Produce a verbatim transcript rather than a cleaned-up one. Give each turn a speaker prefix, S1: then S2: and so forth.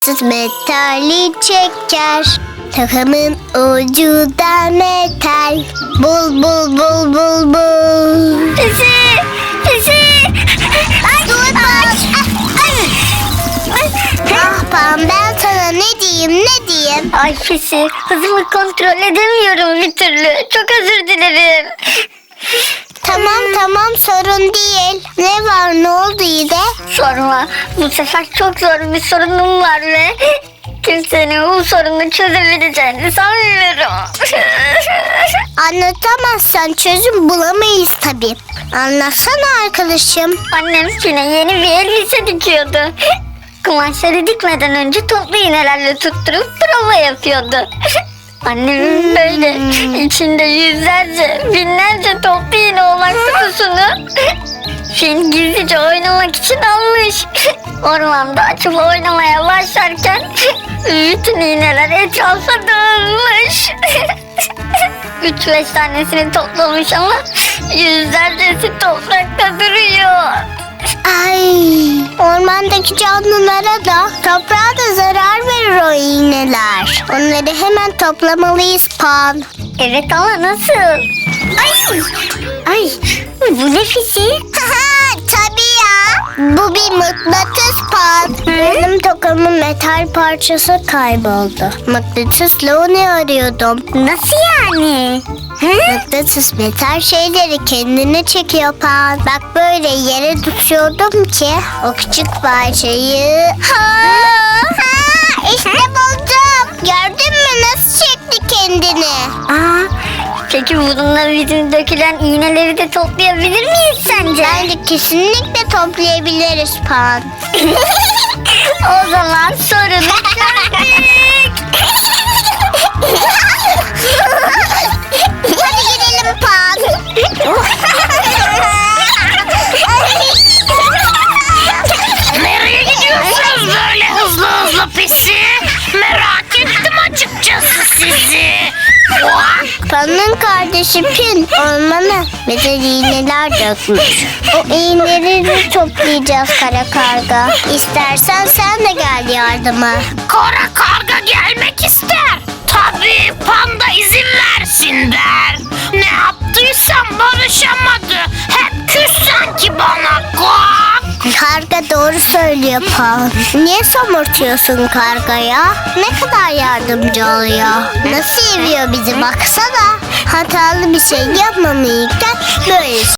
S1: Metali çeker, takımın ucu da metal. Bul bul bul bul bul.
S2: Pisi, pisi.
S1: Ay, dur bak. Ah Pan, ben sana ne diyeyim ne diyeyim.
S2: Ay pisi, hızımı kontrol edemiyorum bir türlü. Çok özür dilerim.
S1: Tamam tamam, sorun değil. Ne var, ne oldu yine?
S2: Sorma, bu sefer çok zor bir sorunum var ve kimsenin bu sorunu çözebileceğini sanmıyorum.
S1: Anlatamazsan çözüm bulamayız tabii. Anlatsana arkadaşım.
S2: Annem yine yeni bir elbise dikiyordu. Kumaşları dikmeden önce toplu iğnelerle tutturup prova yapıyordu. Annemin böyle içinde yüzlerce, binlerce toplu iğne olan kutusunu Fil gizlice oynamak için almış. Ormanda açıp oynamaya başlarken bütün iğneler etrafa dağılmış. Üç beş tanesini toplamış ama yüzlercesi toprakta duruyor.
S1: Ay, ormandaki canlılara da toprağa da zarar verir o iğneler. Onları hemen toplamalıyız Pan.
S2: Evet ama nasıl? Ay, ay bu ne Fisi?
S1: Tabii ya. Bu bir mıknatıs Pan. Benim tokamın metal parçası kayboldu. Mıknatısla onu arıyordum.
S2: Nasıl yani?
S1: Mıknatıs metal şeyleri kendine çekiyor Pan. Bak böyle yere tutuyordum ki o küçük parçayı... Ha, ha, işte buldum. Gördün mü nasıl çekti kendini?
S2: Aa, peki bununla bizim dökülen iğneleri de toplayabilir miyiz sence?
S1: Bence kesinlikle toplayabiliriz Pan.
S2: O zaman sorunu çözdük.
S1: Hadi gidelim Pan.
S3: Nereye gidiyorsunuz böyle hızlı hızlı Pisi? Merak ettim açıkçası sizi. Vah!
S1: Pan'ın kardeşi Pin ormana metal iğneler dökmüş. O iğneleri toplayacağız kara karga. İstersen sen de gel yardıma.
S3: Kara karga gelmek ister. Tabii panda izin versin der. Ne yaptıysam barışamadı. Hep küs sanki bana. Kuak!
S1: Karga doğru söylüyor Pan. Niye somurtuyorsun kargaya? Ne kadar yardımcı oluyor. Nasıl seviyor bizi baksana. Hatalı bir şey yapmamayken böyle